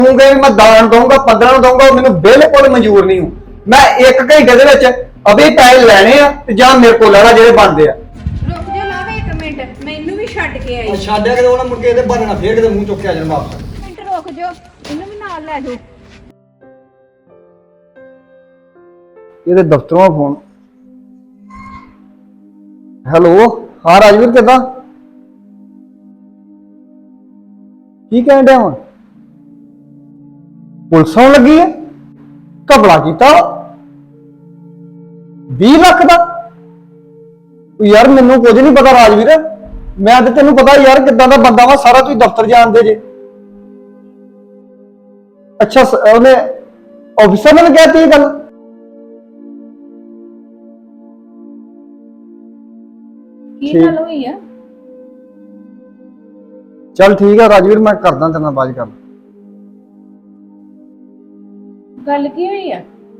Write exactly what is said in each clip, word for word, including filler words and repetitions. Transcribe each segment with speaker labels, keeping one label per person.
Speaker 1: ਕਹੂੰਗਾ ਮੈਂ ਦਾਨ ਦਊਂਗਾ पंद्रह ਨੂੰ ਦਊਂਗਾ ਮੈਨੂੰ ਬਿਲਕੁਲ ਮਨਜ਼ੂਰ ਨਹੀਂ ਹੂੰ। ਮੈਂ ਇੱਕ ਘੰਟੇ ਦੇ ਵਿੱਚ ਅਭੀ ਪੈਸੇ ਲੈਣੇ ਆ ਤੇ ਜਾਂ ਮੇਰੇ ਕੋਲ ਲੈਣਾ ਜਿਹੜੇ ਬਣਦੇ ਆ।
Speaker 2: ਰੁਕ ਜਾ ਲਾਵੇ ਇੱਕ ਮਿੰਟ ਮੈਨੂੰ ਵੀ ਛੱਡ ਕੇ ਆਈ।
Speaker 3: ਛੱਡਿਆ ਕਿਤੇ ਉਹਨਾਂ ਮੁੜ ਕੇ ਇਹਦੇ ਬਹਾਨੇ ਨਾਲ ਫੇਰ ਕਿਤੇ ਮੂੰਹ ਚੁੱਕ ਕੇ ਆ ਜਾਣ ਵਾਪਸ।
Speaker 2: ਮਿੰਟ ਰੁਕ ਜਾ ਇਹਨੂੰ ਵੀ ਨਾਲ ਲੈ ਜਾਓ।
Speaker 1: ਇਹਦੇ ਦਫ਼ਤਰੋਂ ਫੋਨ। ਹੈਲੋ ਹਾਂ ਰਾਜਵੀਰ ਕਿੱਦਾਂ ਕੀ ਕਹਿਣ ਡਿਆ ਵਾਂ ਪੁਲਿਸ ਆਉਣ ਲੱਗੀ ਹੈ ਘਪਲਾ ਕੀਤਾ बीस ਲੱਖ ਦਾ ਯਾਰ ਮੈਨੂੰ ਕੁਝ ਨਹੀਂ ਪਤਾ ਰਾਜਵੀਰ ਮੈਂ ਤੇ ਤੈਨੂੰ ਪਤਾ ਯਾਰ ਕਿੱਦਾਂ ਦਾ ਬੰਦਾ ਵਾ ਸਾਰਾ ਤੁਸੀਂ ਦਫ਼ਤਰ ਜਾਣਦੇ ਜੇ ਅੱਛਾ ਉਹਨੇ ਆਫਿਸਰ ਨੇ ਕਹਿਤੀ ਇਹ ਗੱਲ
Speaker 2: ਕੀ ਗੱਲ ਹੋਈ ਆ
Speaker 1: चल ठीक है राजवीर मैं करदा तेरे नाल बात कर
Speaker 2: ਗੱਲ ਕੀ ਹੋਈ ਆ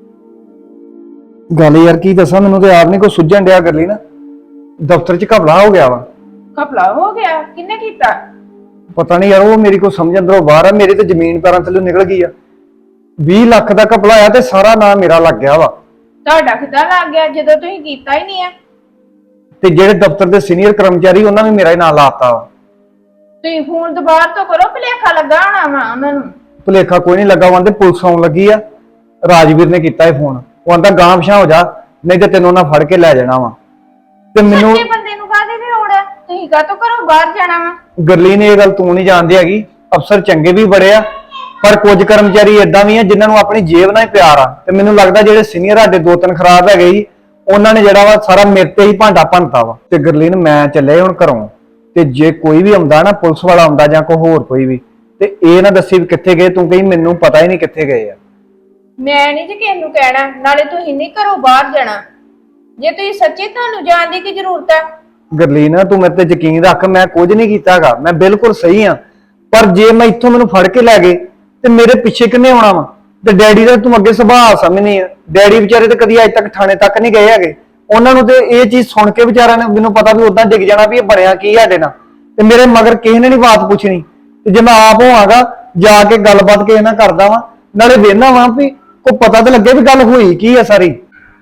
Speaker 1: गल यार की दसा मैनू तो यार नहीं कोई सुझन दिया कर ली ना दफ्तर च घपला हो गया वा
Speaker 2: ਘਪਲਾ ਹੋ ਗਿਆ ਕਿੰਨੇ ਕੀਤਾ
Speaker 1: पता नहीं यार वो मेरी को समझ अंदरों बाहर है मेरी तो जमीन पैरों थल्लों निकल गई है बीस लाख का घपला आया ते सारा नाम मेरा लग गया वा
Speaker 2: ਤੁਹਾਡਾ ਕਿੱਦਾਂ ਲੱਗ ਗਿਆ ਜਦੋਂ ਤੁਸੀਂ ਕੀਤਾ ਹੀ ਨਹੀਂ ਆ
Speaker 1: ते जेड़े दफ्तर दे सीनियर कर्मचारी उन्होंने भी मेरा ही नाम लाता वा
Speaker 2: ਤੁਸੀਂ ਫੋਨ ਦੁਬਾਰਾ ਤੋਂ ਕਰੋ ਭਲੇਖਾ ਲੱਗਾ ਹੋਣਾ ਵਾ ਉਹਨਾਂ ਨੂੰ
Speaker 1: भुलेखा कोई नहीं लगा वहां पुलिस आउण लगी आ राजवीर ने किया है फोन वो आंदा गांव पिछा हो जा नहीं तो तेन उन्हें फड़ के लै जाना वा ते मैनू
Speaker 2: ਸੱਚੇ ਬੰਦੇ ਨੂੰ ਕਾਹਦੀ ਦੀ ਲੋੜ ਹੈ ਤੁਸੀਂ ਕਾਹਤੋਂ ਘਰੋਂ ਬਾਹਰ ਜਾਣਾ ਵਾ
Speaker 1: गरलीन ये गल तू नहीं जानती हैगी अफसर चंगे भी बड़े आ पर कुछ कर्मचारी इदां भी आ जिन्हां नूं अपनी जेब नाल प्यार आ ते मैनूं लगदा जिहड़े सीनियर साडे दो तीन खराब हैगे जी उन्हां ने जिहड़ा वा सारा मेरे ते ही भांडा भंनता वा ते गरलीन मैं चले हुण घरों ते जे कोई भी आउंदा ना पुलिस वाला आउंदा जां कोई होर कोई भी ते ਇਹ ਨਾ ਦੱਸੀ ਵੀ ਕਿੱਥੇ ਗਏ ਤੂੰ ਕਹੀ ਮੈਨੂੰ ਪਤਾ ਹੀ ਨਹੀਂ ਕਿੱਥੇ ਗਏ ਆ
Speaker 2: ਮੈਂ ਨਹੀਂ ਜੀ ਕਿਸੇ ਨੂੰ ਕਹਿਣਾ ਨਾਲੇ ਤੁਸੀਂ ਨਹੀਂ ਘਰੋਂ ਬਾਹਰ ਜਾਣਾ ਜੇ ਤੁਸੀਂ ਸੱਚੇ ਤੁਹਾਨੂੰ ਜਾਣ ਦੀ ਕੀ ਜ਼ਰੂਰਤ ਹੈ
Speaker 1: ਗਰਲੀਨ ਤੂੰ ਮੇਰੇ ਤੇ ਯਕੀਨ ਰੱਖ ਮੈਂ ਕੁਝ ਨਹੀਂ ਕੀਤਾਗਾ ਮੈਂ ਬਿਲਕੁਲ ਸਹੀ ਆ ਪਰ ਜੇ ਮੈਂ ਇੱਥੋਂ ਮੈਨੂੰ ਫੜ ਕੇ ਲੈ ਗਏ ਤੇ ਮੇਰੇ ਪਿੱਛੇ ਕਿੰਨੇ ਆਉਣਾ ਵਾ ਤੇ ਡੈਡੀ ਦਾ ਤੂੰ ਅੱਗੇ ਸੁਭਾਅ ਸਮਝਣੀ ਆ ਡੈਡੀ ਵਿਚਾਰੇ ਤੇ ਕਦੀ ਅੱਜ ਤੱਕ ਥਾਣੇ ਤੱਕ ਨਹੀਂ ਗਏ ਹੈਗੇ ਉਹਨਾਂ ਨੂੰ ਤੇ ਇਹ ਚੀਜ਼ ਸੁਣ ਕੇ ਵਿਚਾਰਿਆਂ ਨੇ ਮੈਨੂੰ ਪਤਾ ਵੀ ਉਦਾਂ ਡਿੱਗ ਜਾਣਾ ਵੀ ਇਹ ਬਣਿਆ ਕੀ ਸਾਡੇ ਨਾਲ ਤੇ ਮੇਰੇ ਮਗਰ ਕਿਸੇ ਨੇ ਨਹੀਂ ਬਾਤ ਪੁੱਛਣੀ ਤੇ ਜੇ ਮੈਂ ਆਪ ਹੋਵਾਂਗਾ ਜਾ ਕੇ ਗੱਲਬਾਤ ਕਿਸੇ ਨਾਲ ਕਰਦਾ ਵਾਂ ਨਾਲੇ ਵੇਖਣਾ ਵਾਂ ਵੀ ਕੋਈ ਪਤਾ ਤਾਂ ਲੱਗੇ ਵੀ ਗੱਲ ਹੋਈ ਕੀ ਆ ਸਾਰੀ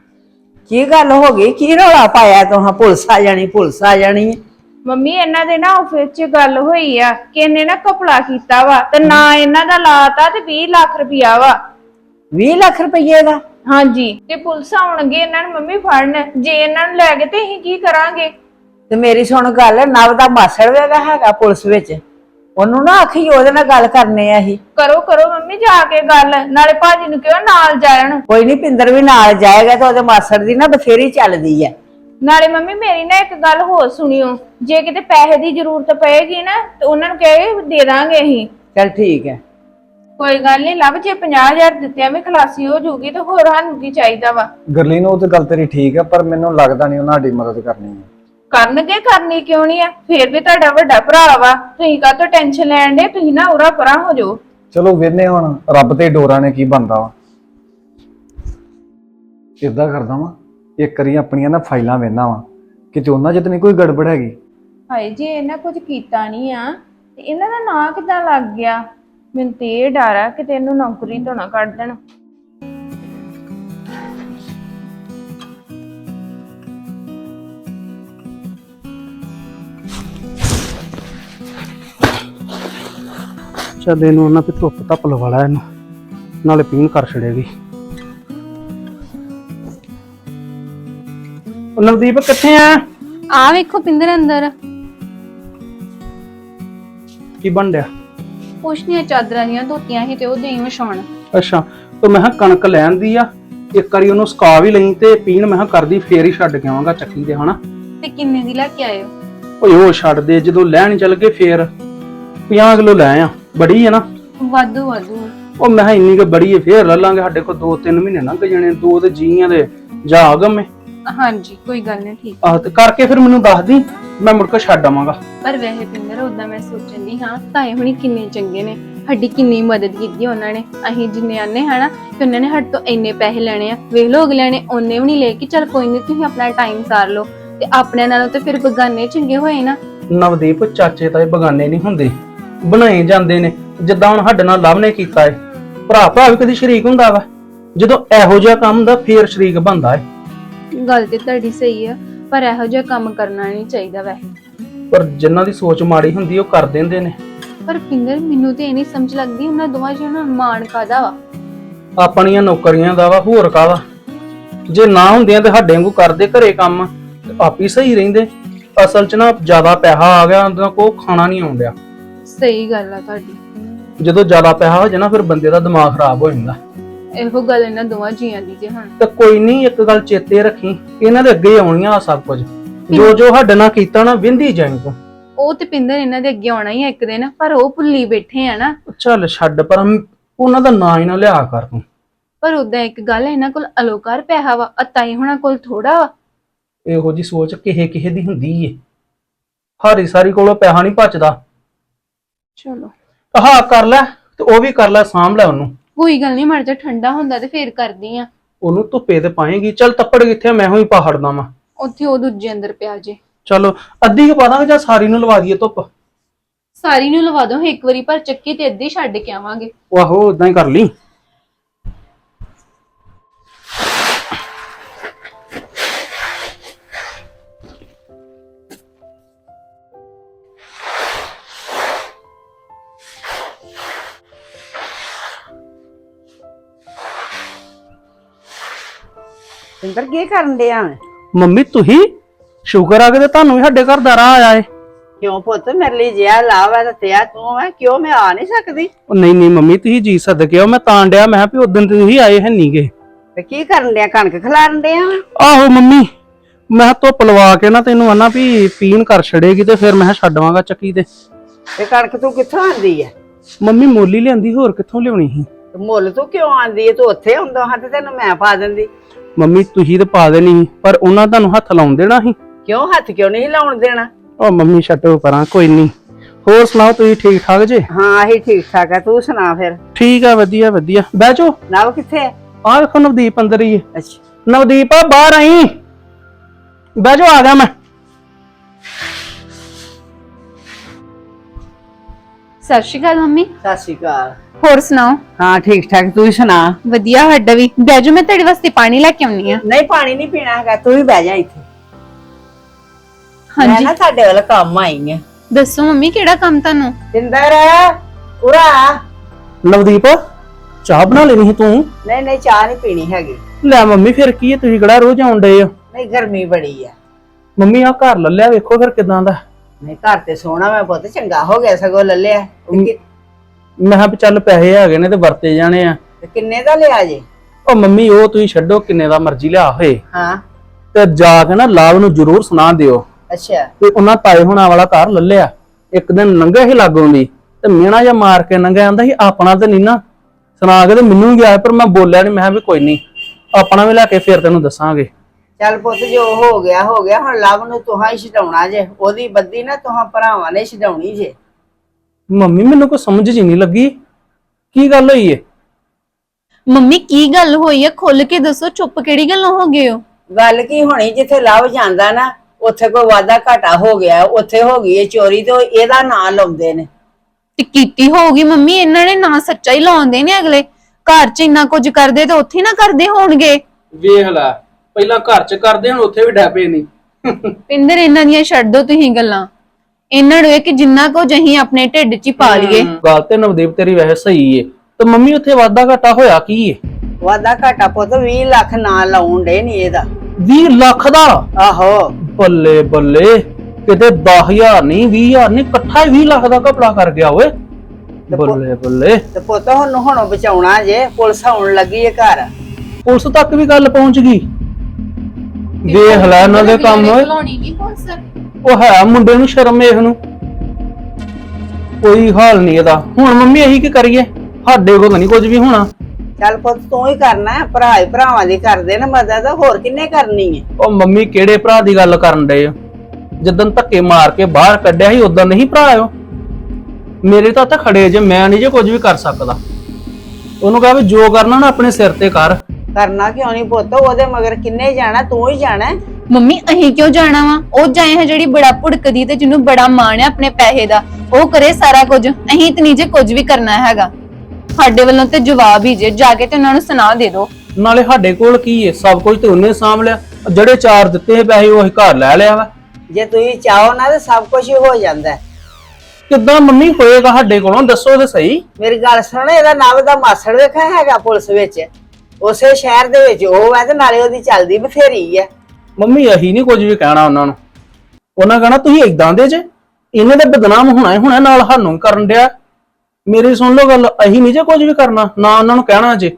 Speaker 4: ਕੀ ਗੱਲ ਹੋ ਗਈ ਕੀ ਰੌਲਾ ਪਾਇਆ ਤੂੰ ਪੁਲਿਸ ਆ ਜਾਣੀ ਪੁਲਿਸ ਆ ਜਾਣੀ
Speaker 2: ਮੰਮੀ ਇਹਨਾਂ ਦੇ ਨਾ ਆਫਿਸ 'ਚ ਗੱਲ ਹੋਈ ਆ ਕਿ ਇਹਨੇ ਨਾ ਘਪਲਾ ਕੀਤਾ ਵਾ ਤੇ ਨਾ ਇਹਨਾਂ ਦਾ ਲਾਤਾ ਤੇ ਵੀਹ ਲੱਖ ਰੁਪਇਆ ਵਾ
Speaker 4: ਵੀਹ ਲੱਖ ਰੁਪਏ ਦਾ
Speaker 2: ਹਾਂਜੀ ਤੇ ਪੁਲਿਸ ਆਉਣਗੇ ਇਹਨਾਂ ਨੂੰ ਮੰਮੀ ਫੜਨ ਜੇ ਇਹਨਾਂ ਨੂੰ ਲੈ ਗਏ ਤੇ ਅਸੀਂ ਕੀ ਕਰਾਂਗੇ
Speaker 4: ਤੇ ਮੇਰੀ ਸੁਣ ਗੱਲ ਨਵ ਦਾ ਮਾਸੜ ਵੇਗਾ ਹੈਗਾ ਪੁਲਿਸ ਵਿੱਚ ਉਹਨੂੰ ਨਾ ਆਖੀ ਉਹਦੇ ਨਾਲ ਗੱਲ ਕਰਨੇ ਆ ਅਸੀਂ
Speaker 2: ਕਰੋ ਕਰੋ ਮੰਮੀ ਜਾ ਕੇ ਗੱਲ ਨਾਲੇ ਭਾਜੀ ਨੂੰ ਕਿਹਾ ਨਾਲ ਜਾਣ
Speaker 4: ਕੋਈ ਨਹੀਂ ਪਿੰਦਰ ਵੀ ਨਾਲ ਜਾਏਗਾ ਤੇ ਉਹਦੇ ਮਾਸੜ ਦੀ ਨਾ ਬਥੇਰੀ ਚੱਲਦੀ ਆ
Speaker 2: ਨਾਲੇ ਮੰਮੀ ਮੇਰੀ ਨਾ ਇੱਕ ਗੱਲ ਹੋਰ ਸੁਣਿਓ ਜੇ ਕਿਤੇ ਪੈਸੇ ਦੀ ਜ਼ਰੂਰਤ ਪਏਗੀ ਨਾ ਤੇ ਉਹਨਾਂ ਨੂੰ ਕਹੇ ਦੇ ਦਾਂਗੇ ਅਸੀਂ
Speaker 4: ਚਲ ਠੀਕ ਹੈ
Speaker 2: ਕੋਈ ਗੱਲ ਨਹੀਂ ਲੱਭ ਜੇ ਪੰਜਾਹ ਹਜ਼ਾਰ ਦਿੱਤਿਆਂ ਵੀ ਖਲਾਸੀ ਹੋ ਜੂਗੀ ਤੇ ਹੋਰ ਸਾਨੂੰ ਕੀ ਚਾਹੀਦਾ ਵਾ
Speaker 1: ਗਰਲੀਨ ਉਹ ਤੇ ਗੱਲ ਤੇਰੀ ਠੀਕ ਆ ਪਰ ਮੈਨੂੰ ਲੱਗਦਾ ਨਹੀਂ ਉਹਨਾਂ ਸਾਡੀ ਮਦਦ ਕਰਨੀ ਹੈ
Speaker 2: ਕਰਨਗੇ ਕਰਨੀ ਕਿਉਂ ਨਹੀਂ ਆ ਫੇਰ ਵੀ ਤੁਹਾਡਾ ਵੱਡਾ ਭਰਾ ਵਾ ਤੁਸੀਂ ਕਾਹਤੋਂ ਟੈਨਸ਼ਨ ਲੈਣ ਦੇ ਤੁਸੀਂ ਨਾ ਉਰਾ ਪਰਾਂ ਹੋ ਜਾਓ
Speaker 1: ਚਲੋ ਵੇਨੇ ਹੁਣ ਰੱਬ ਤੇ ਡੋਰਾਂ ਨੇ ਕੀ ਬੰਦਾ ਵਾ ਇਦਾਂ ਕਰਦਾ ਵਾਂ ਇੱਕ ਕਰੀ ਆਪਣੀਆਂ ਨਾ ਫਾਈਲਾਂ ਵੇਨਾ ਵਾ ਕਿਤੇ ਉਹਨਾਂ 'ਚ ਤਾਂ ਨਹੀਂ ਕੋਈ ਗੜਬੜ ਹੈਗੀ
Speaker 2: ਹਾਏ ਜੇ ਇਹਨਾਂ ਕੁਝ ਕੀਤਾ ਨਹੀਂ ਆ ਤੇ ਇਹਨਾਂ ਦਾ ਨਾਂ ਕਿੱਦਾਂ ਲੱਗ ਗਿਆ ਮੈਨੂੰ ਤੇ ਇਹ ਡਰ ਆ ਕਿਤੇ ਇਹਨੂੰ ਨੌਕਰੀ ਤੋਂ ਨਾ ਕੱਢ ਦੇਣ
Speaker 5: ਚੱਲ ਇਹਨੂੰ ਉਹਨਾਂ ਤੇ ਧੁੱਪ ਧੱਪ ਲਵਾ ਲਾ ਇਹਨੂੰ ਨਾਲੇ ਪੀਣ ਕਰ ਛੜੇਗੀ ਨਵਦੀਪ ਕਿੱਥੇ ਆ
Speaker 6: ਆ ਵੇਖੋ ਪਿੰਦਰ ਅੰਦਰ
Speaker 5: ਕੀ ਬਣ ਡਿਆ
Speaker 6: ਕੁਛ ਨੀ ਚਾਦਰਾਂ ਦੀਆਂ ਧੋਤੀਆਂ ਸੀ ਤੇ ਉਹ ਦੇਈ ਵਿਛਾਉਣ
Speaker 5: ਅੱਛਾ ਤੇ ਮੈਂ ਕਿਹਾ ਕਣਕ ਲੈਣ ਦੀ ਆ ਇੱਕ ਵਾਰੀ ਉਹਨੂੰ ਸੁਕਾ ਵੀ ਲਈ ਤੇ ਪੀਣ ਮੈਂ ਕਿਹਾ ਕਰਦੀ ਫੇਰ ਹੀ ਛੱਡ ਕੇ ਆਵਾਂਗਾ ਚੱਕੀ ਤੇ ਹਨਾ
Speaker 6: ਤੇ ਕਿੰਨੇ ਦੀ ਲੈ ਕੇ ਆਇਓ
Speaker 5: ਓਏ ਉਹ ਛੱਡ ਦੇ ਜਦੋਂ ਲੈਣ ਚੱਲ ਗਏ ਫੇਰ ਪੰਜਾਹ ਕਿਲੋ ਲੈ ਆ ਬੜੀ ਹੈ ਨਾ
Speaker 6: ਵਾਧੂ ਵਾਧੂ
Speaker 5: ਉਹ ਮੈਂ ਕਿਹਾ ਇੰਨੀ ਕੁ ਬੜੀ ਹੈ ਫੇਰ ਲੈ ਲਾਂਗੇ ਸਾਡੇ ਕੋਲ ਦੋ ਤਿੰਨ ਮਹੀਨੇ ਲੰਘ ਜਾਣੇ ਦੋ ਤੇ ਜੀਆਂ ਦੇ ਜਾ ਗਮੇ
Speaker 6: ਹਾਂਜੀ ਕੋਈ ਗੱਲ ਨਹੀਂ ਠੀਕ
Speaker 5: ਆਹ ਤੇ ਕਰਕੇ ਫਿਰ ਮੈਨੂੰ ਦੱਸ ਦੀ ਮੈਂ ਮੁੜ ਕੇ ਛੱਡ ਆਵਾਂਗਾ
Speaker 6: ਪਰ ਵੈਸੇ ਪਿੰਦਰ ਉਦਾਂ ਮੈਂ ਸੋਚਣ ਦੀ ਹਾਂ ਤਾਏ ਹੁਣੀ ਕਿੰਨੇ ਚੰਗੇ ਨੇ ਸਾਡੀ ਕਿੰਨੀ ਮਦਦ ਕੀਤੀ ਉਹਨਾਂ ਨੇ ਅਸੀਂ ਜਿੰਨੇ ਆਨੇ ਹਨਾ ਕਿ ਉਹਨਾਂ ਨੇ ਸਾਡੇ ਤੋਂ ਇੰਨੇ ਪੈਸੇ ਲੈਣੇ ਆ ਵੇਖ ਲੋ ਅਗਲਿਆਂ ਨੇ ਉਹਨੇ ਵੀ ਨਹੀਂ ਲੈ ਕੇ ਚੱਲ ਕੋਈ ਨਹੀਂ ਤੁਸੀਂ ਆਪਣਾ ਟਾਈਮ ਸਾਰ ਲਓ ਤੇ ਆਪਣੇ ਨਾਲੋਂ ਤੇ ਫਿਰ ਬਗਾਨੇ ਚੰਗੇ ਹੋਏ ਨਾ
Speaker 5: ਨਵਦੀਪ ਚਾਚੇ ਤਾਏ ਬਗਾਨੇ ਨਹੀਂ ਹੁੰਦੇ ਬਣਾਏ ਜਾਂਦੇ ਨੇ, ਜਿੱਦਾਂ ਹੁਣ ਸਾਡੇ ਨਾਲ ਲਵ ਨੇ ਕੀਤਾ ਏ। ਭਰਾ ਭਰਾ ਵੀ ਕਦੀ ਸ਼ਰੀਕ ਹੁੰਦਾ ਵਾ, ਜਦੋਂ ਇਹੋ ਜਿਹਾ ਕੰਮ ਦਾ ਫੇਰ ਸ਼ਰੀਕ ਬਣਦਾ ਏ।
Speaker 6: ਗੱਲ ਤੇ ਤੁਹਾਡੀ ਸਹੀ ਆ, ਪਰ ਇਹੋ ਜਿਹਾ ਕੰਮ ਕਰਨਾ ਨਹੀਂ ਚਾਹੀਦਾ ਵੈਸੇ।
Speaker 5: ਪਰ ਜਿਨ੍ਹਾਂ ਦੀ ਸੋਚ ਮਾੜੀ ਹੁੰਦੀ ਉਹ ਕਰ ਦਿੰਦੇ ਨੇ।
Speaker 6: ਪਰ ਪਿੰਦਰ ਮੈਨੂੰ ਤੇ ਇਹ ਨਹੀਂ ਸਮਝ ਲੱਗਦੀ ਉਹਨਾਂ ਦੋਵਾਂ ਜਿਹਨਾਂ ਨੂੰ ਮਾਣ ਕਾਦਾ ਵਾ।
Speaker 5: ਆਪਣੀਆਂ ਨੌਕਰੀਆਂ ਦਾ ਵਾ, ਹੋਰ ਕਾਹਦਾ। ਜੇ ਨਾ ਹੁੰਦੀਆਂ ਤੇ ਸਾਡੇ ਵਾਂਗੂ ਕਰਦੇ ਘਰੇ ਕੰਮ ਤੇ ਆਪ ਹੀ ਸਹੀ ਰਹਿੰਦੇ। ਅਸਲ 'ਚ ਨਾ ਜ਼ਿਆਦਾ ਪੈਸਾ ਆ ਗਿਆ, ਉਹਨਾਂ ਕੋਲ ਖਾਣਾ ਨਹੀਂ ਆਉਂਦਿਆ।
Speaker 6: ਸਹੀ ਗੱਲ ਆ ਤੁਹਾਡੀ।
Speaker 5: ਜਦੋਂ ਜ਼ਿਆਦਾ ਪੈਸਾ ਹੋ ਜਾਏ ਨਾ ਫਿਰ ਬੰਦੇ ਦਾ ਦਿਮਾਗ ਖਰਾਬ ਹੋ ਜਾਂਦਾ।
Speaker 6: ਇਹੋ ਗੱਲ ਇਹਨਾਂ ਦੋਵਾਂ ਜੀਆਂ ਦੀ ਜੇ ਹੁਣ।
Speaker 5: ਤੇ ਕੋਈ ਨਹੀਂ, ਇੱਕ ਗੱਲ ਚੇਤੇ ਰੱਖੀ, ਇਹਨਾਂ ਦੇ ਅੱਗੇ ਆਉਣੀਆਂ ਆ ਸਭ ਕੁਝ। ਜੋ ਜੋ ਸਾਡੇ ਨਾਲ ਕੀਤਾ ਨਾ ਵਿੰਦੀ ਜਾਈਂ ਤੂੰ।
Speaker 6: ਉਹ ਤੇ ਪਿੰਦਰ ਇਹਨਾਂ ਦੇ ਅੱਗੇ ਆਉਣਾ ਹੀ ਆ ਇੱਕ ਦਿਨ, ਪਰ ਉਹ ਭੁੱਲੀ ਬੈਠੇ ਆ ਨਾ।
Speaker 5: ਚੱਲ ਛੱਡ, ਪਰ ਉਹਨਾਂ ਦਾ ਨਾਂ ਹੀ ਨਾ ਲਿਆ ਕਰ ਤੂੰ।
Speaker 6: ਪਰ ਉਦਾਂ ਇੱਕ ਗੱਲ ਹੈ, ਇਹਨਾਂ ਕੋਲ ਅਲੋਕਾਰ ਪੈਸਾ ਵਾ, ਅਤਾਈ ਹੁਣਾਂ ਕੋਲ ਥੋੜਾ ਵਾ।
Speaker 5: ਇਹੋ ਜੀ ਸੋਚ ਕਿਸੇ ਕਿਸੇ ਦੀ ਹੁੰਦੀ ਏ। ਹਾਰੀ ਸਾਰੀ ਕੋਲੋਂ ਪੈਸਾ ਨਹੀਂ ਭੱਜਦਾ।
Speaker 6: ਚਲੋ
Speaker 5: ਹਾਂ ਕਰ ਲੈ, ਤੇ ਉਹ ਵੀ ਕਰ ਲੈ, ਸਾਂਭ ਲੈ ਉਹਨੂੰ।
Speaker 6: ਕੋਈ ਗੱਲ ਨਹੀਂ, ਮਰ ਜਾ ਠੰਡਾ ਹੁੰਦਾ ਤੇ ਫੇਰ ਕਰਦੀ ਆ।
Speaker 5: ਉਹਨੂੰ ਧੁੱਪੇ ਤੇ ਪਾਏਗੀ। ਚੱਲ ਤੱਪੜ ਕਿੱਥੇ, ਮੈਂ ਹੋਈ ਪਹਾੜਦਾ ਵਾਂ।
Speaker 6: ਉੱਥੇ ਉਹ ਦੂਜੇ ਅੰਦਰ ਪਿਆ ਜੇ।
Speaker 5: ਚਲੋ ਅੱਧੀ ਕੁ ਪਾ ਦਾਂਗੇ ਜਾਂ ਸਾਰੀ ਨੂੰ ਲਵਾ ਦਈਏ ਧੁੱਪ?
Speaker 6: ਸਾਰੀ ਨੂੰ ਲਵਾ ਦੋ ਇੱਕ ਵਾਰੀ, ਪਰ ਚੱਕੀ ਤੇ ਅੱਧੀ ਛੱਡ ਕੇ ਆਵਾਂਗੇ।
Speaker 5: ਉਹ ਆਹੋ ਓਦਾਂ ਹੀ ਕਰ ਲਈ।
Speaker 4: ਸਿੰਦਰ ਕੀ ਕਰਨ ਡਿਆ?
Speaker 5: ਮੰਮੀ ਤੁਸੀਂ ਸ਼ੁਕਰ ਆ ਕਿ ਤੁਹਾਨੂੰ ਵੀ ਸਾਡੇ ਘਰ ਦਾ ਰਾਹ ਆਇਆ ਏ।
Speaker 4: ਕਿਉਂ ਪੁੱਤ, ਮੇਰੇ ਲਈ ਜਿਆ ਲਾਵਾ ਤੇ ਤਿਆ ਤੂੰ ਹੈ, ਕਿਉਂ ਮੈਂ ਆ ਨਹੀਂ ਸਕਦੀ?
Speaker 5: ਉਹ ਨਹੀਂ ਨਹੀਂ ਮੰਮੀ, ਤੁਸੀਂ ਜੀ ਸਦਕੇ ਹੋ। ਮੈਂ ਤਾਂ ਡਿਆ, ਮੈਂ ਵੀ ਉਦੋਂ ਤੇ ਤੁਸੀਂ ਆਏ ਹੈ ਨਹੀਂਗੇ।
Speaker 4: ਤੇ ਕੀ ਕਰਨ ਡਿਆ? ਕਣਕ ਖਲਾਰਨ ਡਿਆ?
Speaker 5: ਆਹੋ ਮੰਮੀ, ਮੈਂ ਧੁੱਪ ਲਵਾ ਕੇ ਨਾ ਤੈਨੂੰ ਆਨਾ ਵੀ ਪੀਣ ਕਰ ਛੜੇਗੀ ਤੇ ਫਿਰ ਮੈਂ ਛੱਡਵਾਂਗਾ ਚੱਕੀ ਤੇ।
Speaker 4: ਤੇ ਕਣਕ ਤੂੰ ਕਿੱਥੋਂ ਆਂਦੀ ਹੈ?
Speaker 5: ਮੰਮੀ ਮੋਲੀ ਲਿਆਂਦੀ, ਹੋਰ ਕਿੱਥੋਂ ਲਿਆਉਣੀ ਸੀ?
Speaker 4: ਤੇ ਮੁੱਲ ਤੂੰ ਕਿਉਂ ਆਂਦੀ ਹੈ? ਤੂੰ ਉੱਥੇ ਹੁੰਦਾ ਹਾਂ ਤੇ ਤੈਨੂੰ ਮੈਂ ਪਾ ਦਿੰਦੀ।
Speaker 5: ਮੰਮੀ ਤੁਸੀਂ ਤੇ ਪਾ ਦੇਣੀ ਸੀ, ਪਰ ਉਹਨਾਂ ਤੁਹਾਨੂੰ ਹੱਥ ਲਾਉਣ ਦੇਣਾ ਸੀ।
Speaker 4: ਕਿਉਂ ਹੱਥ ਕਿਉਂ ਨਹੀਂ ਲਾਉਣ ਦੇਣਾ?
Speaker 5: ਉਹ ਮੰਮੀ ਛੱਡੋ ਪਰਾਂ, ਕੋਈ ਨਹੀਂ। ਹੋਰ ਸੁਣਾਓ, ਤੁਸੀਂ ਠੀਕ ਠਾਕ ਜੇ?
Speaker 4: ਹਾਂ ਅਸੀਂ ਠੀਕ ਠਾਕ ਆ, ਤੂੰ ਸੁਣਾ ਫਿਰ।
Speaker 5: ਠੀਕ ਆ, ਵਧੀਆ ਵਧੀਆ। ਬਹਿ ਜਾਓ।
Speaker 4: ਨਵ ਕਿੱਥੇ ਹੈ?
Speaker 5: ਆਹ ਵੇਖੋ ਨਵਦੀਪ ਅੰਦਰ ਹੀ ਹੈ।
Speaker 4: ਅੱਛਾ
Speaker 5: ਨਵਦੀਪ ਬਾਹਰ ਆਈ, ਬਹਿ ਜਾਓ, ਆ ਗਿਆ ਮੈਂ।
Speaker 6: ਸਤਿ ਸ਼੍ਰੀ ਅਕਾਲ ਮੰਮੀ।
Speaker 4: ਸਤਿ ਸ਼੍ਰੀ ਅਕਾਲ।
Speaker 6: ਹੋਰ ਸੁਣਾਓ?
Speaker 4: ਹਾਂ ਠੀਕ ਠਾਕ, ਤੂੰ ਹੀ ਸੁਣਾ।
Speaker 6: ਵਧੀਆ ਸਾਡਾ ਵੀ। ਬਹਿ ਜਾਓ, ਮੈਂ ਤੁਹਾਡੇ ਵਾਸਤੇ ਪਾਣੀ ਲੈ ਕੇ ਆਉਣੀ ਆ।
Speaker 4: ਨਹੀਂ ਪਾਣੀ ਨਹੀਂ ਪੀਣਾ ਹੈਗਾ, ਤੂੰ ਹੀ ਬਹਿ ਜਾ ਇੱਥੇ। ਮੈਂ
Speaker 6: ਹਾਂਜੀ
Speaker 4: ਨਾ ਤੁਹਾਡੇ ਵੱਲ ਕੰਮ ਆਈ ਆ।
Speaker 6: ਦੱਸੋ ਮੰਮੀ, ਕਿਹੜਾ ਕੰਮ ਤੁਹਾਨੂੰ?
Speaker 4: ਸਿੰਦਰ ਉਰਾ।
Speaker 5: ਨਵਦੀਪ ਚਾਹ ਬਣਾ ਲੈਣੀ ਸੀ ਤੂੰ?
Speaker 4: ਨਹੀਂ ਨਹੀਂ ਚਾਹ ਨਹੀਂ ਪੀਣੀ ਹੈਗੀ।
Speaker 5: ਲੈ ਮੰਮੀ ਫਿਰ ਕੀ ਹੈ, ਤੁਸੀਂ ਕਿਹੜਾ ਰੋਜ਼ ਆਉਣ ਡਏ ਹੋ?
Speaker 4: ਨਹੀਂ ਗਰਮੀ ਬੜੀ ਆ।
Speaker 5: ਮੰਮੀ ਆ ਘਰ ਲੱਲਿਆ, ਵੇਖੋ ਫਿਰ ਕਿਦਾਂ ਦਾ।
Speaker 4: ਨਹੀਂ ਘਰ ਤੇ ਸੋਹਣਾ, ਮੈਂ ਪੁੱਤ ਚੰਗਾ ਹੋ ਗਿਆ ਸਗੋਂ ਲੱਲਿਆ। ਤੇ ਕਿ-
Speaker 5: ਮੈਂ ਕਿਹਾ ਵੀ ਚੱਲ ਪੈਸੇ ਹੈਗੇ ਨੇ ਤੇ ਵਰਤੇ ਜਾਣੇ ਆ।
Speaker 4: ਤੇ ਕਿੰਨੇ ਦਾ ਲਿਆ ਜੇ?
Speaker 5: ਉਹ ਮੰਮੀ ਉਹ ਤੁਸੀਂ ਛੱਡੋ, ਕਿੰਨੇ ਦਾ ਮਰਜ਼ੀ ਲਿਆ ਹੋਏ,
Speaker 4: ਹਾਂ
Speaker 5: ਤੇ ਜਾ ਕੇ ਨਾ ਲਾਭ ਨੂੰ ਜ਼ਰੂਰ ਸੁਣਾ ਦਿਓ
Speaker 4: ਅੱਛਾ।
Speaker 5: ਤੇ ਉਹਨਾਂ ਤਾਏ ਹੋਣਾ ਵਾਲਾ ਘਰ ਲੱਲਿਆ। ਇੱਕ ਦਿਨ ਲੰਘਿਆ ਹੀ ਲਾਗੋਂ ਦੀ ਤੇ ਮਿਹਣਾ ਜਿਹਾ ਮਾਰ ਕੇ ਲੰਘਿਆ, ਆਂਦਾ ਸੀ ਆਪਣਾ ਤੇ ਨਹੀਂ ਨਾ। ਸੁਣਾ ਕੇ ਤੇ ਮੈਨੂੰ ਗਿਆ, ਪਰ ਮੈਂ ਬੋਲਿਆ ਨਹੀਂ। ਮੈਂ ਕਿਹਾ ਵੀ ਕੋਈ ਨਹੀਂ, ਆਪਣਾ ਵੀ ਲੈ ਕੇ ਫਿਰ ਤੈਨੂੰ ਦੱਸਾਂਗੇ।
Speaker 4: ਚੱਲ ਪੁੱਤ ਜੋ ਹੋ ਗਿਆ ਹੋ ਗਿਆ, ਹੁਣ ਲਵ ਨੂੰ ਤੁਹਾਂ ਹੀ ਛਡਾਉਣਾ ਜੇ। ਉਹਦੀ ਬੱਦੀ ਨਾ ਤੁਹਾਂ ਭਰਾਵਾਂ ਨੇ ਛਡਾਉਣੀ ਜੇ।
Speaker 5: ਮੰਮੀ ਮੈਨੂੰ ਕੋਈ ਸਮਝ ਜੀ ਨਹੀਂ ਲੱਗੀ, ਕੀ ਗੱਲ ਹੋਈ ਏ?
Speaker 6: ਮੰਮੀ ਕੀ ਗੱਲ ਹੋਈ ਹੈ? ਖੁੱਲ ਕੇ ਦੱਸੋ, ਚੁੱਪ ਕਿਹੜੀ ਗੱਲੋਂ ਹੋ ਗਏ ਹੋ?
Speaker 4: ਗੱਲ ਕੀ ਹੋਣੀ, ਜਿੱਥੇ ਲਵ ਜਾਂਦਾ ਨਾ ਉੱਥੇ ਕੋਈ ਵਾਧਾ ਘਾਟਾ ਹੋ ਗਿਆ, ਉੱਥੇ ਹੋ ਗਈ ਏ ਚੋਰੀ, ਤੇ ਉਹ ਇਹਦਾ ਨਾਂ ਲਾਉਂਦੇ ਨੇ।
Speaker 6: ਤੇ ਕੀਤੀ ਹੋਊਗੀ ਮੰਮੀ, ਇਹਨਾਂ ਨੇ ਨਾ ਸੱਚਾ ਹੀ ਲਾਉਂਦੇ ਨੇ। ਅਗਲੇ ਘਰ 'ਚ ਇੰਨਾ ਕੁਝ ਕਰਦੇ ਤੇ ਉੱਥੇ ਨਾ ਕਰਦੇ ਹੋਣਗੇ।
Speaker 5: ਵੇਖ ਲੈ, ਪਹਿਲਾਂ ਘਰ 'ਚ ਕਰਦੇ, ਹੁਣ ਉੱਥੇ ਵੀ ਡੈਪੇ ਨਹੀਂ।
Speaker 6: ਪਿੰਦਰ ਇਹਨਾਂ ਦੀਆਂ ਛੱਡ ਦੋ ਤੁਸੀਂ ਗੱਲਾਂ। ਇਹਨਾਂ ਨੂੰ ਇਹ ਕਿ ਜਿੰਨਾ ਕੁਝ ਅਸੀਂ ਆਪਣੇ ਢਿੱਡ 'ਚ ਹੀ ਪਾ ਲਈਏ।
Speaker 5: ਗੱਲ ਤੇ ਨਵਦੀਪ ਤੇਰੀ ਵੈਸੇ ਸਹੀ ਏ, ਤੇ ਮੰਮੀ ਉੱਥੇ ਵਾਧਾ ਘਾਟਾ ਹੋਇਆ ਕੀ ਏ?
Speaker 4: ਵਾਧਾ ਘਾਟਾ ਪੁੱਤ ਵੀਹ ਲੱਖ ਨਾਂ ਲਾਉਣ ਡੇ ਨਹੀਂ ਇਹਦਾ।
Speaker 5: ਵੀਹ ਲੱਖ ਦਾ?
Speaker 4: ਆਹੋ
Speaker 5: ਬੱਲੇ ਬੱਲੇ, ਕਿਤੇ ਦਸ ਹਜ਼ਾਰ ਨਹੀਂ ਵੀਹ ਹਜ਼ਾਰ ਨਹੀਂ, ਇਕੱਠਾ ਹੀ ਵੀਹ ਲੱਖ ਦਾ ਘਪਲਾ ਕਰ ਗਿਆ ਓਏ। ਬੱਲੇ ਬੱਲੇ।
Speaker 4: ਤੇ ਪੁੱਤ ਹੁਣ ਹੁਣ ਬਚਾਉਣਾ ਜੇ, ਪੁਲਿਸ ਆਉਣ ਲੱਗੀ ਏ ਘਰ।
Speaker 5: ਪੁਲਿਸ ਤੱਕ ਵੀ ਗੱਲ ਪਹੁੰਚ ਗਈ। ਵੇਖ ਲੈ ਇਹਨਾਂ ਦੇ ਕੰਮ ਓਏ। ਉਹ ਹੈ ਮੁੰਡੇ ਨੂੰ ਸ਼ਰਮ ਵੇਖ ਨੂੰ, ਕੋਈ ਹਾਲ ਨਹੀਂ ਇਹਦਾ। ਹੁਣ ਮੰਮੀ ਇਹੀ ਕੀ ਕਰੀਏ, ਸਾਡੇ ਕੋਲ ਨਹੀਂ ਕੁਝ ਵੀ ਹੋਣਾ।
Speaker 4: ਚੱਲ ਪੁੱਤ ਤੂੰ ਹੀ ਕਰਨਾ ਹੈ, ਭਰਾ ਹੀ ਭਰਾਵਾਂ ਦੀ ਕਰਦੇ ਨੇ ਮਦਦ, ਹੋਰ ਕਿੰਨੇ ਕਰਨੀ ਹੈ?
Speaker 5: ਉਹ ਮੰਮੀ ਕਿਹੜੇ ਭਰਾ ਦੀ ਗੱਲ ਕਰਨ ਡਏ ਹੋ? ਜਦੋਂ ਧੱਕੇ ਮਾਰ ਕੇ ਬਾਹਰ ਕੱਢਿਆ ਸੀ ਉਦੋਂ ਨਹੀਂ ਭਰਾ ਹੋ ਮੇਰੇ। ਤਾਂ ਤਾਂ ਖੜੇ ਜੇ, ਮੈਂ ਨਹੀਂ ਜੇ ਕੁਝ ਵੀ ਕਰ ਸਕਦਾ। ਉਹਨੂੰ ਕਹਾਂ ਵੀ ਜੋ ਕਰਨਾ ਨਾ ਆਪਣੇ ਸਿਰ ਤੇ ਕਰ।
Speaker 4: ਕਰਨਾ ਕਿਉਂ ਨਹੀਂ ਪੁੱਤ, ਉਹਦੇ ਮਗਰ ਕਿੰਨੇ ਜਾਣਾ, ਤੂੰ ਹੀ ਜਾਣਾ।
Speaker 6: ਮੰਮੀ ਅਹੀਂ ਕਿਉਂ ਜਾਣਾ ਵਾ? ਉਹ ਜਾਏ ਹੈ ਜਿਹੜੀ ਬੜਾ ਭੁੜਕਦੀ ਤੇ ਜਿਹਨੂੰ ਬੜਾ ਮਾਣ ਹੈ ਆਪਣੇ ਪੈਸੇ ਦਾ, ਉਹ ਕਰੇ ਸਾਰਾ ਕੁਝ। ਅਹੀਂ ਤੇ ਨਹੀਂ ਜੇ ਕੁਝ ਵੀ ਕਰਨਾ ਹੈਗਾ। ਸਾਡੇ ਵੱਲੋਂ ਤੇ ਜਵਾਬ ਹੀ ਜੇ, ਜਾ ਕੇ ਤੇ ਉਹਨਾਂ ਨੂੰ ਸੁਣਾ ਦੇ ਦਿਓ।
Speaker 5: ਨਾਲੇ ਸਾਡੇ ਕੋਲ ਕੀ ਹੈ, ਸਭ ਕੁਝ ਤੇ ਉਹਨੇ ਸਾਂਭ ਲਿਆ। ਜਿਹੜੇ ਚਾਰ ਦਿੱਤੇ ਪੈਸੇ ਉਹ ਅਸੀਂ ਘਰ ਲੈ ਲਿਆ ਵਾ।
Speaker 4: ਜੇ ਤੁਸੀਂ ਚਾਹੋ ਨਾ ਤੇ ਸਭ ਕੁਝ ਹੀ ਹੋ ਜਾਂਦਾ ਹੈ।
Speaker 5: ਕਿੱਦਾਂ ਮੰਮੀ ਹੋਏਗਾ ਸਾਡੇ ਕੋਲੋਂ, ਦੱਸੋ ਤੇ ਸਹੀ।
Speaker 4: ਮੇਰੀ ਗੱਲ ਸੁਣ, ਇਹਦਾ ਨਵ ਦਾ ਮਾਸੜ ਵੇਖਿਆ ਹੈਗਾ ਪੁਲਿਸ ਵਿੱਚ, ਉਸੇ ਸ਼ਹਿਰ ਦੇ ਵਿੱਚ ਉਹ ਹੈ ਤੇ ਨਾਲੇ ਉਹਦੀ ਚੱਲਦੀ ਬਥੇਰੀ ਹੈ।
Speaker 5: ਮੰਮੀ ਅਹੀਂ ਨਹੀਂ ਕੁਝ ਵੀ ਕਹਿਣਾ ਉਹਨਾਂ ਨੂੰ। ਉਹਨਾਂ ਕਹਿਣਾ ਤੁਸੀਂ ਏਦਾਂ ਦੇ ਜੇ, ਇਹਨੇ ਤਾਂ ਬਦਨਾਮ ਹੋਣਾ ਹੀ ਹੋਣਾ, ਨਾਲ ਸਾਨੂੰ ਕਰਨ ਡਿਆ। ਮੇਰੀ ਸੁਣ ਲਓ ਗੱਲ, ਅਹੀਂ ਨਹੀਂ ਜੇ ਕੁਝ ਵੀ ਕਰਨਾ, ਨਾ ਉਹਨਾਂ ਨੂੰ ਕਹਿਣਾ ਜੇ।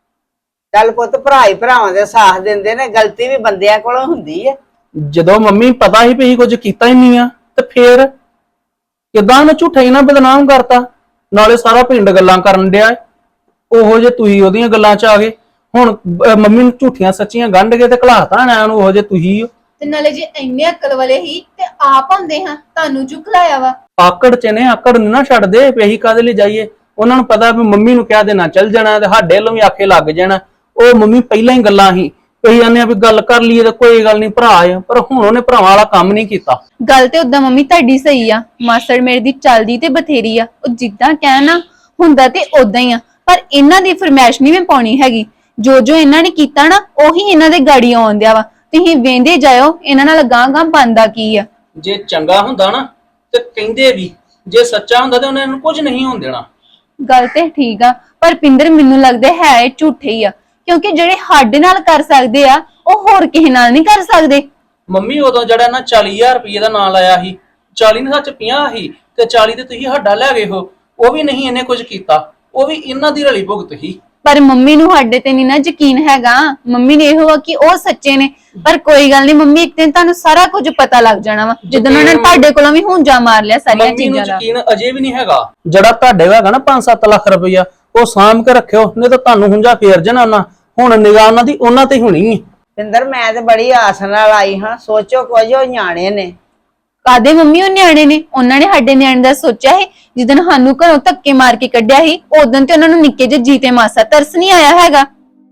Speaker 4: ਚੱਲ ਪੁੱਤ, ਭਰਾ ਹੀ ਭਰਾਵਾਂ ਦੇ ਸਾਥ ਦਿੰਦੇ ਨੇ, ਗਲਤੀ ਵੀ ਬੰਦਿਆਂ ਕੋਲੋਂ ਹੁੰਦੀ ਹੈ।
Speaker 5: ਜਦੋਂ ਮੰਮੀ ਪਤਾ ਹੀ ਪਈ ਕੁਝ ਕੀਤਾ ਹੀ ਨਹੀਂ ਆ, ਤੇ ਫੇਰ ਕਿਦਾਂ ਉਹਨੇ ਝੂਠਾ ਹੀ ਨਾ ਬਦਨਾਮ ਕਰਤਾ। ਨਾਲੇ ਸਾਰਾ ਪਿੰਡ ਗੱਲਾਂ ਕਰਨ ਡਿਆ। ਉਹੋ ਜੇ ਤੁਸੀਂ ਉਹਦੀਆਂ ਗੱਲਾਂ ਚ ਆ ਗਏ। ਹੁਣ ਅਹ ਮੰਮੀ ਨੂੰ ਝੂਠੀਆਂ ਸੱਚੀਆਂ ਗੰਢ ਕੇ ਤੇ ਘਲਾਤਾ ਨਾ ਉਹਨੂੰ, ਉਹੋ ਜੇ ਤੁਸੀਂ।
Speaker 6: ਤੇ ਨਾਲੇ ਜੇ ਇੰਨੇ ਅਕਲ ਵਾਲੇ ਹੀ ਤੇ ਆਪ ਹੁੰਦੇ ਹਾਂ, ਤੁਹਾਨੂੰ ਚੁੱਕ ਲਾਇਆ ਵਾ।
Speaker 5: ਆਕੜ ਚ ਨੇ, ਆਕੜ ਨੂੰ ਨਾ ਛੱਡਦੇ ਵੀ ਅਸੀਂ ਕਾਹਦੇ ਲਈ ਜਾਈਏ। ਉਹਨਾਂ ਨੂੰ ਪਤਾ ਵੀ ਮੰਮੀ ਨੂੰ ਕਹਿ ਦੇਣਾ ਚੱਲ ਜਾਣਾ ਤੇ ਸਾਡੇ ਵੱਲੋਂ ਵੀ ਆਖੇ ਲੱਗ ਜਾਣਾ। ਉਹ ਮੰਮੀ ਪਹਿਲਾਂ ਹੀ ਗੱਲਾਂ ਹੀ ਕਹੀ ਜਾਂਦੇ ਆ ਵੀ ਗੱਲ ਕਰ ਲਈਏ ਤਾਂ ਕੋਈ ਗੱਲ ਨਹੀਂ, ਭਰਾ ਆ। ਪਰ ਹੁਣ ਉਹਨੇ ਭਰਾਵਾਂ ਵਾਲਾ ਕੰਮ ਨਹੀਂ ਕੀਤਾ।
Speaker 6: ਗੱਲ ਤੇ ਉਦਾਂ ਮੰਮੀ ਤੁਹਾਡੀ ਸਹੀ ਆ, ਮਾਸੜ ਮੇਰੇ ਦੀ ਚੱਲਦੀ ਤੇ ਬਥੇਰੀ ਆ। ਉਹ ਜਿੱਦਾਂ ਕਹਿਣਾ ਹੁੰਦਾ ਤੇ ਉਦਾਂ ਹੀ ਆ, ਪਰ ਇਹਨਾਂ ਦੀ ਫਰਮਾਇਸ਼ ਨਹੀਂ ਮੈਂ ਪਾਉਣੀ ਹੈਗੀ। ਜੋ ਜੋ ਇਹਨਾਂ ਨੇ ਕੀਤਾ ਨਾ ਉਹੀ ਇਹਨਾਂ ਦੇ ਗਾੜੀ ਆਉਣ ਦਿਆ ਵਾ। ਤੁਸੀਂ ਵੇਂਦੇ ਜਾਇਓ ਇਹਨਾਂ ਨਾਲ ਗਾਂ ਗਾਂ ਬੰਦਾ ਕੀ ਆ।
Speaker 5: ਜੇ ਚੰਗਾ ਹੁੰਦਾ ਨਾ ਤੇ ਕਹਿੰਦੇ ਵੀ, ਜੇ ਸੱਚਾ ਹੁੰਦਾ ਤੇ ਉਹਨਾਂ ਨੂੰ ਕੁਝ ਨਹੀਂ ਹੋਣ ਦੇਣਾ।
Speaker 6: ਗੱਲ ਤੇ ਠੀਕ ਆ, ਪਰ ਪਿੰਦਰ ਮੈਨੂੰ ਲੱਗਦਾ ਹੈ ਇਹ ਝੂਠੇ ਹੀ ਆ, ਕਿਉਂਕਿ ਜਿਹੜੇ ਸਾਡੇ ਨਾਲ ਕਰ ਸਕਦੇ ਆ ਉਹ ਹੋਰ ਕਿਸੇ ਨਾਲ ਨਹੀਂ ਕਰ ਸਕਦੇ।
Speaker 5: ਮੰਮੀ ਉਦੋਂ ਜਿਹੜਾ ਨਾ ਚਾਲੀ ਹਜ਼ਾਰ ਰੁਪਏ ਦਾ ਨਾਂ ਲਾਇਆ ਸੀ, ਚਾਲੀ ਨੇ ਸੱਚ ਪੰਜਾਹ ਸੀ ਤੇ ਚਾਲੀ ਤੇ ਤੁਸੀਂ ਸਾਡਾ ਲੈ ਗਏ ਹੋ। ਉਹ ਵੀ ਨਹੀਂ ਇਹਨੇ ਕੁਝ ਕੀਤਾ, ਉਹ ਵੀ ਇਹਨਾਂ ਦੀ ਰਲੀ ਭੁਗਤ ਸੀ।
Speaker 6: ਪਰ ਮੰਮੀ ਨੂੰ ਸਾਡੇ ਤੇ ਨਹੀਂ ਨਾ ਯਕੀਨ ਹੈਗਾ। ਮੰਮੀ ਨੇ ਇਹੋ ਆ ਕਿ ਉਹ ਸੱਚੇ ਨੇ। ਪਰ ਕੋਈ ਗੱਲ ਨਹੀਂ ਮੰਮੀ, ਇੱਕ ਦਿਨ ਤੁਹਾਨੂੰ ਸਾਰਾ ਕੁਝ ਪਤਾ ਲੱਗ ਜਾਣਾ ਵਾ, ਜਦੋਂ ਉਹਨਾਂ ਨੇ ਤੁਹਾਡੇ ਕੋਲੋਂ ਵੀ ਹੁੰਜਾ ਮਾਰ ਲਿਆ ਸਾਰੀਆਂ
Speaker 5: ਮੰਮੀ ਨੂੰ
Speaker 6: ਚੀਜ਼ਾਂ ਦਾ।
Speaker 5: ਯਕੀਨ ਅਜੇ ਵੀ ਨਹੀਂ ਹੈਗਾ। ਜਿਹੜਾ ਤੁਹਾਡੇ ਹੈਗਾ ਨਾ ਪੰਜ ਸੱਤ ਲੱਖ ਰੁਪਈਆ, ਉਹ ਸਾਂਭ ਕੇ ਰੱਖਿਓ, ਨਹੀਂ ਤਾਂ ਤੁਹਾਨੂੰ ਹੁੰਜਾ ਫੇਰ ਜਾਣਾ ਉਹਨਾਂ। ਹੁਣ ਨਿਗਾਹ ਉਹਨਾਂ ਦੀ ਉਹਨਾਂ ਤੇ ਹੋਣੀ ਹੈ।
Speaker 4: ਪਿੰਦਰ, ਮੈਂ ਤੇ ਬੜੀ ਆਸ ਨਾਲ ਆਈ ਹਾਂ। ਸੋਚੋ ਕੁਝ, ਉਹ ਨਿਆਣੇ ਨੇ।
Speaker 6: ਕਾਦੇ ਮੰਮੀ ਉਹ ਨਿਆਣੇ ਨੇ? ਉਹਨਾਂ ਨੇ ਸਾਡੇ ਨਿਆਣੇ ਦਾ ਸੋਚਿਆ ਹੈ। ਜਿੱਦਣ ਸਾਨੂੰ ਘਰੋਂ ਧੱਕੇ ਮਾਰ ਕੇ ਕੱਢਿਆ ਸੀ, ਉਦੋਂ ਤੇ ਉਹਨਾਂ ਨੂੰ ਨਿੱਕੇ ਜਿਹੇ ਜੀਤੇ ਮਾਸਾ ਤਰਸ ਨਹੀਂ ਆਇਆ ਹੈਗਾ।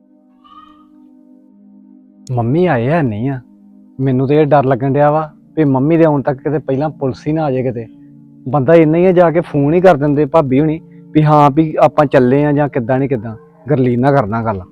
Speaker 1: ਮੰਮੀ ਆਏ ਹੈ ਨਹੀਂ ਆ, ਮੈਨੂੰ ਤੇ ਇਹ ਡਰ ਲੱਗਣ ਡਿਆ ਵਾ ਵੀ ਮੰਮੀ ਦੇ ਆਉਣ ਤੱਕ ਕਿਤੇ ਪਹਿਲਾਂ ਪੁਲਿਸ ਹੀ ਨਾ ਆ ਜਾਏ। ਕਿਤੇ ਬੰਦਾ ਇੰਨਾ ਹੀ ਆ, ਜਾ ਕੇ ਫੋਨ ਹੀ ਕਰ ਦਿੰਦੇ ਭਾਬੀ ਹੁਣੀ ਵੀ ਹਾਂ ਵੀ ਆਪਾਂ ਚੱਲੇ ਆ ਜਾਂ ਕਿੱਦਾਂ ਨਹੀਂ ਕਿੱਦਾਂ। ਗਰਲੀਨ ਨਾਲ ਕਰਨਾ ਗੱਲ।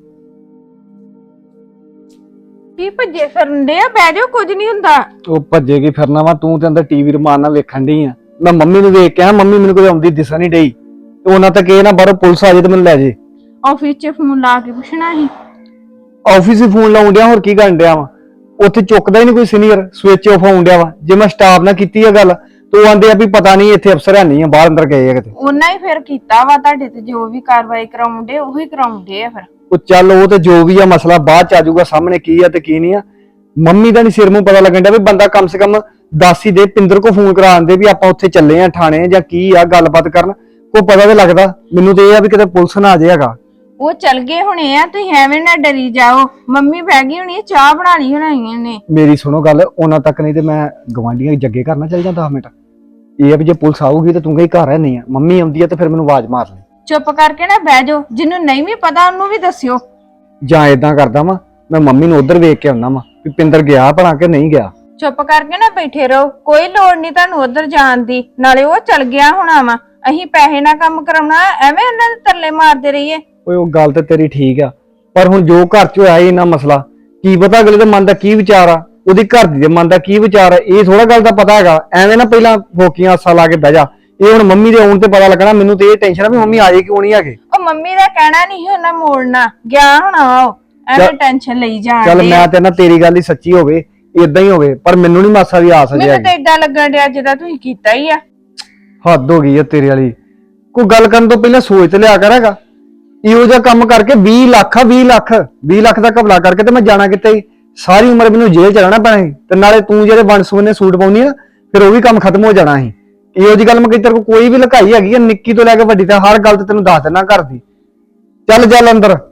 Speaker 2: ਕੀ ਭੱਜੇ ਫਿਰਨ ਦੇ ਆ? ਬਹਿ ਜਾਓ, ਕੁਝ ਨਹੀਂ ਹੁੰਦਾ।
Speaker 1: ਉਹ ਭੱਜੇ ਕੀ ਫਿਰਨਾ ਵਾ, ਤੂੰ ਤੇ ਅੰਦਰ ਟੀਵੀ ਰਮਾਨ ਨਾਲ ਵੇਖਣ ਡਈ ਆ। ਮੈਂ ਮੰਮੀ ਨੂੰ ਵੇਖ ਕੇ ਆ, ਮੰਮੀ ਮੈਨੂੰ ਕੋਈ ਆਉਂਦੀ ਦਿਸਾ ਨਹੀਂ ਡਈ ਤੇ ਉਹਨਾਂ ਤੱਕ ਇਹ ਨਾ ਬਾਹਰੋਂ ਪੁਲਿਸ ਆ ਜਾਏ ਤੇ ਮੈਨੂੰ ਲੈ ਜੇ।
Speaker 2: ਆਫਿਸ 'ਚ ਫੋਨ ਲਾ ਕੇ ਪੁੱਛਣਾ ਸੀ।
Speaker 1: ਆਫਿਸ ਹੀ ਫੋਨ ਲਾਉਣ ਡਿਆ, ਹੋਰ ਕੀ ਕਰਨ ਡਿਆ ਵਾ? ਉੱਥੇ ਚੁੱਕਦਾ ਹੀ ਨਹੀਂ ਕੋਈ ਸੀਨੀਅਰ, ਸਵਿਚ ਆਫ ਆਉਣ ਡਿਆ ਵਾ। ਜੇ ਮੈਂ ਸਟਾਫ ਨਾਲ ਕੀਤੀ ਆ ਗੱਲ ਤੇ ਉਹ ਆਂਦੇ ਆ ਵੀ ਪਤਾ ਨਹੀਂ ਇੱਥੇ ਅਫਸਰ ਹੈ ਨਹੀਂ ਆ, ਬਾਹਰ ਅੰਦਰ ਗਏ ਆ ਕਿਤੇ।
Speaker 2: ਉਹਨਾਂ ਹੀ ਫਿਰ ਕੀਤਾ ਵਾ ਤੁਹਾਡੇ ਤੇ, ਜੋ ਵੀ ਕਾਰਵਾਈ ਕਰਾਉਂਦੇ ਉਹੀ ਕਰਾਉਂਦੇ ਆ ਫਿਰ।
Speaker 1: ਉਹ ਚੱਲ ਉਹ ਤੇ ਜੋ ਵੀ ਆ ਮਸਲਾ ਬਾਅਦ ਚ ਆ ਜਾਊਗਾ ਸਾਹਮਣੇ, ਕੀ ਆ ਤੇ ਕੀ ਨਹੀਂ ਆ। ਮੰਮੀ ਦਾ ਨਹੀਂ ਸਿਰ ਮੂੰਹ ਪਤਾ ਲੱਗਣ ਡਿਆ ਵੀ ਬੰਦਾ ਕਮ ਸੇ ਕਮ ਦੱਸ ਹੀ ਦੇ, ਪਿੰਦਰ ਕੋ ਫੋਨ ਕਰਾ ਦਿੰਦੇ ਵੀ ਆਪਾਂ ਉੱਥੇ ਚੱਲੇ ਆ ਥਾਣੇ ਜਾਂ ਕੀ ਆ ਗੱਲਬਾਤ ਕਰਨ, ਕੋਈ ਪਤਾ ਤੇ ਲੱਗਦਾ। ਮੈਨੂੰ ਤੇ ਇਹ ਆ ਵੀ ਕਿਤੇ ਪੁਲਿਸ ਨਾ ਆ ਜਾਏ ਹੈਗਾ।
Speaker 2: ਉਹ ਚੱਲ ਗਏ ਹੁਣੇ ਆ, ਤੁਸੀਂ ਐਵੇਂ ਨਾ ਡਰੀ ਜਾਓ। ਮੰਮੀ ਬਹਿ ਗਈ ਹੋਣੀ, ਚਾਹ ਬਣਾਣੀ ਹੋਣਾਈਆਂ ਨੇ।
Speaker 1: ਮੇਰੀ ਸੁਣੋ ਗੱਲ, ਉਹਨਾਂ ਤੱਕ ਨਹੀਂ ਤੇ ਮੈਂ ਗਵਾਂਢੀਆਂ ਜੱਗੇ ਕਰਨਾ ਚੱਲ ਜਾਂਦਾ ਦਸ ਮਿੰਟ। ਇਹ ਆ ਵੀ ਜੇ ਪੁਲਿਸ ਆਊਗੀ ਤੇ ਤੂੰ ਕਹੀ ਘਰ ਹੈ ਨਹੀਂ ਆ, ਮੰਮੀ ਆਉਂਦੀ ਆ ਤੇ ਫਿਰ ਮੈਨੂੰ ਆਵਾਜ਼ ਮਾਰ ਲੈ।
Speaker 2: ਚੁੱਪ ਕਰਕੇ ਨਾ ਬਹਿ ਜਾਓ, ਜਿਹਨੂੰ ਨਹੀਂ ਵੀ ਪਤਾ ਉਹਨੂੰ ਵੀ ਦੱਸਿਓ।
Speaker 1: ਜਾਂ ਏਦਾਂ ਕਰਦਾ ਵਾ, ਮੈਂ ਮੰਮੀ ਨੂੰ ਉਧਰ ਵੇਖ ਕੇ ਆਉਣਾ ਵਾ ਵੀ ਪਿੰਦਰ ਗਿਆ ਭਲਾ ਕਿ ਨਹੀਂ ਗਿਆ।
Speaker 2: ਚੁੱਪ ਕਰਕੇ ਨਾ ਬੈਠੇ ਰਹੋ, ਕੋਈ ਲੋੜ ਨਹੀਂ ਤੁਹਾਨੂੰ ਉਧਰ ਜਾਣ ਦੀ। ਨਾਲੇ ਉਹ ਚੱਲ ਗਿਆ ਹੋਣਾ ਵਾ, ਅਸੀਂ ਪੈਸੇ ਨਾਲ ਕੰਮ ਕਰਾਉਣਾ, ਐਵੇਂ ਉਹਨਾਂ ਦੇ ਤਰਲੇ ਮਾਰਦੇ ਰਹੀਏ।
Speaker 1: ਓਏ ਉਹ ਗੱਲ ਤੇ ਤੇਰੀ ਠੀਕ ਆ, ਪਰ ਹੁਣ ਜੋ ਘਰ ਚ ਹੋਇਆ ਇਹਨਾਂ ਮਸਲਾ, ਕੀ ਪਤਾ ਅਗਲੇ ਦੇ ਮਨ ਦਾ ਕੀ ਵਿਚਾਰ ਆ, ਉਹਦੀ ਘਰ ਦੀ ਦੇ ਮਨ ਦਾ ਕੀ ਵਿਚਾਰ ਆ, ਇਹ ਥੋੜਾ ਗੱਲ ਦਾ ਪਤਾ ਹੈਗਾ। ਐਵੇਂ ਨਾ ਪਹਿਲਾਂ ਫੋਕੀਆਂ ਆਸਾਂ ਲਾ ਕੇ ਬਹਿ ਜਾ। ਇਹ ਹੁਣ ਮੰਮੀ ਦੇ ਆਉਣ ਤੇ ਪਤਾ ਲੱਗਣਾ। ਮੈਨੂੰ ਤੇ ਇਹ ਟੈਨਸ਼ਨ ਆ ਵੀ ਮੰਮੀ ਆ ਜਾਏ ਕਿਉਂ ਨਹੀਂ ਆਗੇ।
Speaker 2: ਉਹ ਮੰਮੀ ਦਾ ਕਹਿਣਾ ਨਹੀਂ ਉਹਨਾਂ ਮੋੜਨਾ, ਗਿਆ ਹੋਣਾ ਵਾ ਉਹ, ਐਵੇਂ ਟੈਨਸ਼ਨ ਲਈ ਜਾਣ
Speaker 1: ਚੱਲ
Speaker 2: ਡਏ।
Speaker 1: ਮੈਂ ਤੇ ਨਾ ਤੇਰੀ ਗੱਲ ਹੀ ਸੱਚੀ ਹੋਵੇ, ਇਦਾਂ ਹੀ ਹੋਵੇ, ਪਰ ਮੈਨੂੰ ਨਹੀਂ ਮਾਸਾ ਵੀ ਆਸ
Speaker 2: ਮੈਨੂੰ
Speaker 1: ਜਾਏਗੀ।
Speaker 2: ਤਾਂ ਏਦਾਂ ਲੱਗਣ ਡਿਆ ਜਿੱਦਾਂ ਤੁਸੀਂ ਕੀਤਾ ਹੀ ਆ।
Speaker 1: ਹੱਦ ਹੋ ਗਈ ਆ ਤੇਰੇ ਵਾਲੀ। ਕੋਈ ਗੱਲ ਕਰਨ ਤੋਂ ਪਹਿਲਾਂ ਸੋਚ ਤੇ ਲਿਆ ਕਰ ਹੈਗਾ। ਇਹੋ ਜਿਹਾ ਕੰਮ ਕਰਕੇ ਵੀਹ ਲੱਖ ਆ, ਵੀਹ ਲੱਖ ਵੀਹ ਲੱਖ ਦਾ ਘਪਲਾ ਕਰਕੇ ਤੇ ਮੈਂ ਜਾਣਾ ਕਿੱਥੇ ਸੀ? ਸਾਰੀ ਉਮਰ ਮੈਨੂੰ ਜੇਲ੍ਹ ਚ ਰਹਿਣਾ ਪੈਣਾ ਸੀ। ਤੇ ਨਾਲੇ ਤੂੰ ਜਿਹੜੇ ਵੰਡ ਸੁਵੰਨੇ ਸੂਟ ਪਾਉਣੀ ਆ, ਫਿਰ ਉਹ ਵੀ ਕੰਮ ਖਤਮ ਹੋ ਜਾਣਾ ਸੀ। ਇਹੋ ਜਿਹੀ ਗੱਲ ਮੈਂ ਕਿਤੇ ਕੋਈ ਵੀ ਲੁਕਾਈ ਹੈਗੀ ਆ, ਨਿੱਕੀ ਤੋਂ ਲੈ ਕੇ ਵੱਡੀ ਤੱਕ ਹਰ ਗੱਲ ਤੇ ਤੈਨੂੰ ਦੱਸ ਦੇਣਾ ਘਰ ਦੀ। ਚੱਲ ਚੱਲ ਅੰਦਰ।